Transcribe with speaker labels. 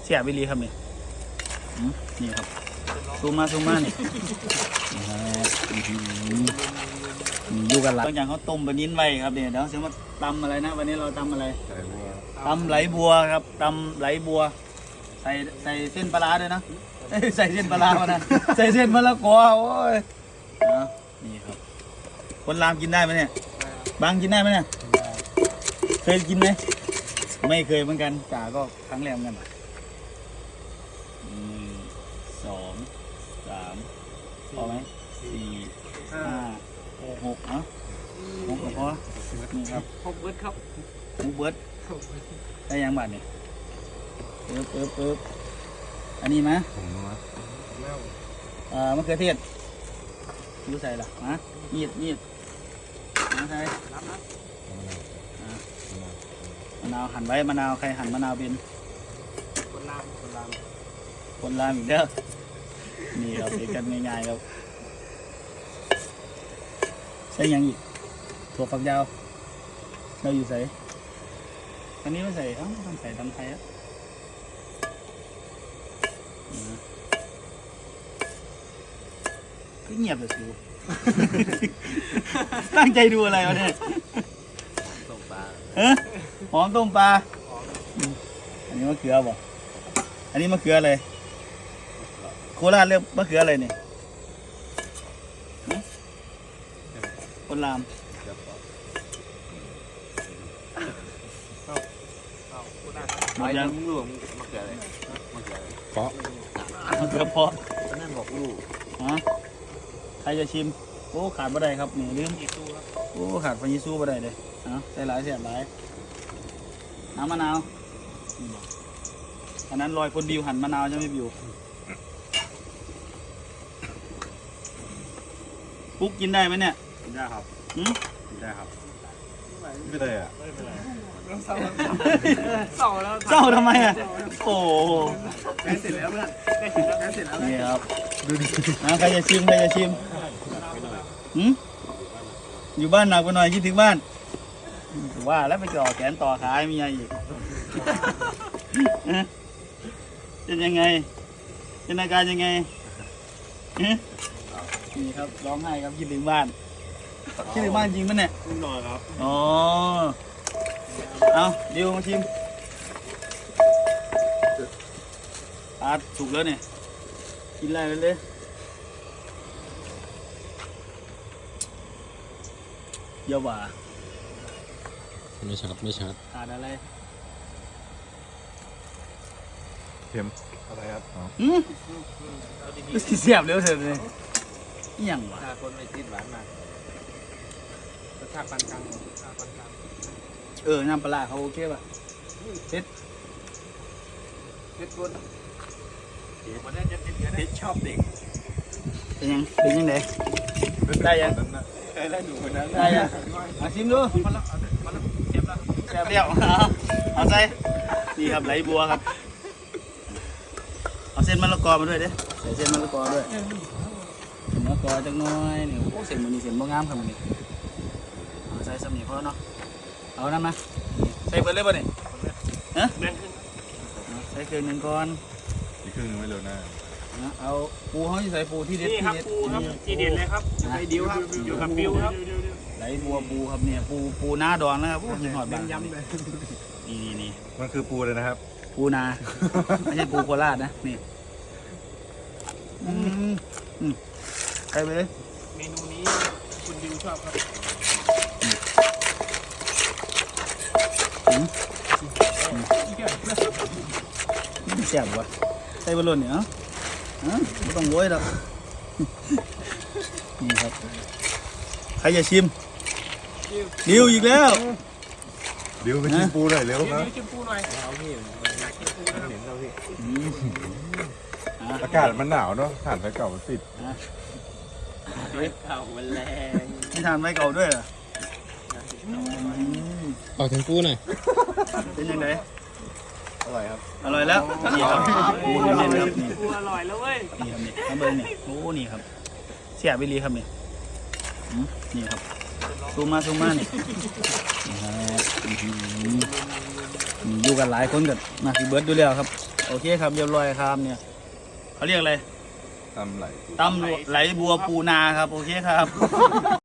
Speaker 1: สียบไปรีครับนี่นี่ครับซูมมานี่อยู่กันหลังอย่างเขาต้มปลานิ้นไว้ครับเนี่ยเดี๋ยวเสียมาตำอะไรนะวันนี้เราตำอะไรตำไหลบัวครับตำไหลบัวใส่เส้นปลาด้วยนะใส่เส้นปลามานะใส่เส้นมะละกอโอ้ยนี่ครับคนรามกินได้ไหมเนี่ยบางกินได้ไหมเนี่ยเคยกินไหมไม่เคยเหมือนกันจ่าก็ครั้งแรกเหมือนกัน2 3พอไหม4 5 6เนาะ6ก็พอนี่ครับ
Speaker 2: 6 เบิร์ดครับ
Speaker 1: 6 เบิร์ดได้ยังบาทเนี่ยปึ๊บอันนี้มั้ยมะเขือเทศดูใส่ละมีดมาใส่มะนาวหั่นไว้มะนาวใครหั่นมะนาวเป็นคนลามอีกแล้วนี่เราเสร็จกันง่ายๆครับใส่ยังอีกถั่วฝักยาวเราอยู่ใส่อันนี้ไม่ใส่ต้องใส่ตำไทยอะก็เงียบเลยสิตั้งใจดูอะไรวะเนี่ยต้มปลาหอมต้มปลาอันนี้มะเขือบ่อันนี้มะเขืออะไรโคราชเรียกมะเขืออะไรเนี่ยคนรามหมดยังลูกมะเขืออะไรเพาะมะเขือเพาะนั่นบอกลูกใครจะชิมโอ้ขาดบ่ได้ครับนี่ลืมโอ้ขาดพายิซูบ่ได้เลยใส่หลายเสียบหลายน้ำมะนาวอันนั้นลอยคนดิวหั่นมะนาวใช่ไหมบิวปุ๊กกินได้ไหมเนี่ยกินได้ครับกินได้ครับไม่ได้อะเศร้าแล้วเศร้าทำไมอ่ะโอ้แกเสร็จแล้วเพื่อนแกเสร็จแล้วนี่ครับดูดิใครจะชิมอยู่บ้านหนักไปหน่อยคิดถึงบ้านว่าแล้วไปจ่อแขนต่อขามีอะไรอีกเป็นยังไงเป็นอาการยังไงนี่ครับร้องไห้ครับคิดถึงบ้านจริงมั้ยเนี่ยนอนครับอ๋อเอาดิวมาชิมสุกแล้วเนี่ยกินอะไรเลยเยาว่า
Speaker 3: ไม่ชัด
Speaker 1: ขาดอะไร
Speaker 3: เค็มอะไรครับ
Speaker 1: เสียบเร็วเถอะเลยยังวะ
Speaker 2: คนไม่ติดหวานมากรสชาติปานกลาง
Speaker 1: น้ำปลาเขาโอเคป่ะเผ็ด
Speaker 2: คนมันจะเผ็ดชอบเด็ก
Speaker 1: เป็นยังไงได้ยัง
Speaker 2: ได้ดูคนนั้น
Speaker 1: ได้ยังมาชิมดู
Speaker 2: มันเจ็บแล้ว
Speaker 1: แซ่บเดียวเอาใส่นี่ครับไหลบัวครับเอาเส้นมะละกอมาด้วยเด้ใส่เส้นมะละกอด้วยมะละกอจังน้อยนี่โอ้เส้นมันนี่เส้นบ่งามครับมันนี่ใส่สำนีพอเนาะเอาน้ำนะใส่เปิดเลยป่ะนี่ใส่เครื่องนึงก่อน
Speaker 3: อีกครึ่งนึงไม่เร็วหน้า
Speaker 1: เอาปูเขาจะใส่ปูที่เด็ด
Speaker 2: ปูครับที่เด็ดเลยครับใส่ดิวครับอยู่กับบิวครับ
Speaker 1: ไหลบัวปูครับเนี่ยปูหน้าดอนนะครับหินหอดบาง
Speaker 2: ยำเลย
Speaker 1: นี่
Speaker 3: มันคือปูเลยนะครับ
Speaker 1: ปูนาไม่ใช่ปูโคราชนะนี่ใส่ไปเลย
Speaker 2: เมนูนี้คุณดิวชอบครับ
Speaker 1: แซ่บวะใส่บอลลูนเนี่ยไม่ต้องโวยหรอกนี่ครับใครจะชิมดิวอีกแล้ว
Speaker 3: ดิวไปชิมปูหน่อยเร็วครับ
Speaker 2: ชิมปูหน่อยเอาพี่เห็นเราพี่
Speaker 3: อากาศมันหนาวเนาะถ่านไฟเก่ามันติด
Speaker 2: เก่ามันแรง
Speaker 1: นี่ทานไฟเก่าด้วยเหรอ
Speaker 3: เอาถึงปูหน่อย
Speaker 1: เป็นยังไง
Speaker 3: อร่อยครับ
Speaker 1: อร่อยแล้วนี่ครับปูเน้นครับนี่
Speaker 2: ปูอร่อยแล้วเว้ย
Speaker 1: นี่ครับนี่น้ำเบิ้ลนี่โอ้นี่ครับเสียบไปรีครับนี่นี่ครับซูมมานี่อยู่กันหลายคนกันมาพี่เบิร์ดดูแล้วครับโอเคครับเรียบร้อยครับเนี่ยเขาเรียกอะไร
Speaker 3: ตำไหล
Speaker 1: ตำไหลบัวปูนาครับโอเคครับ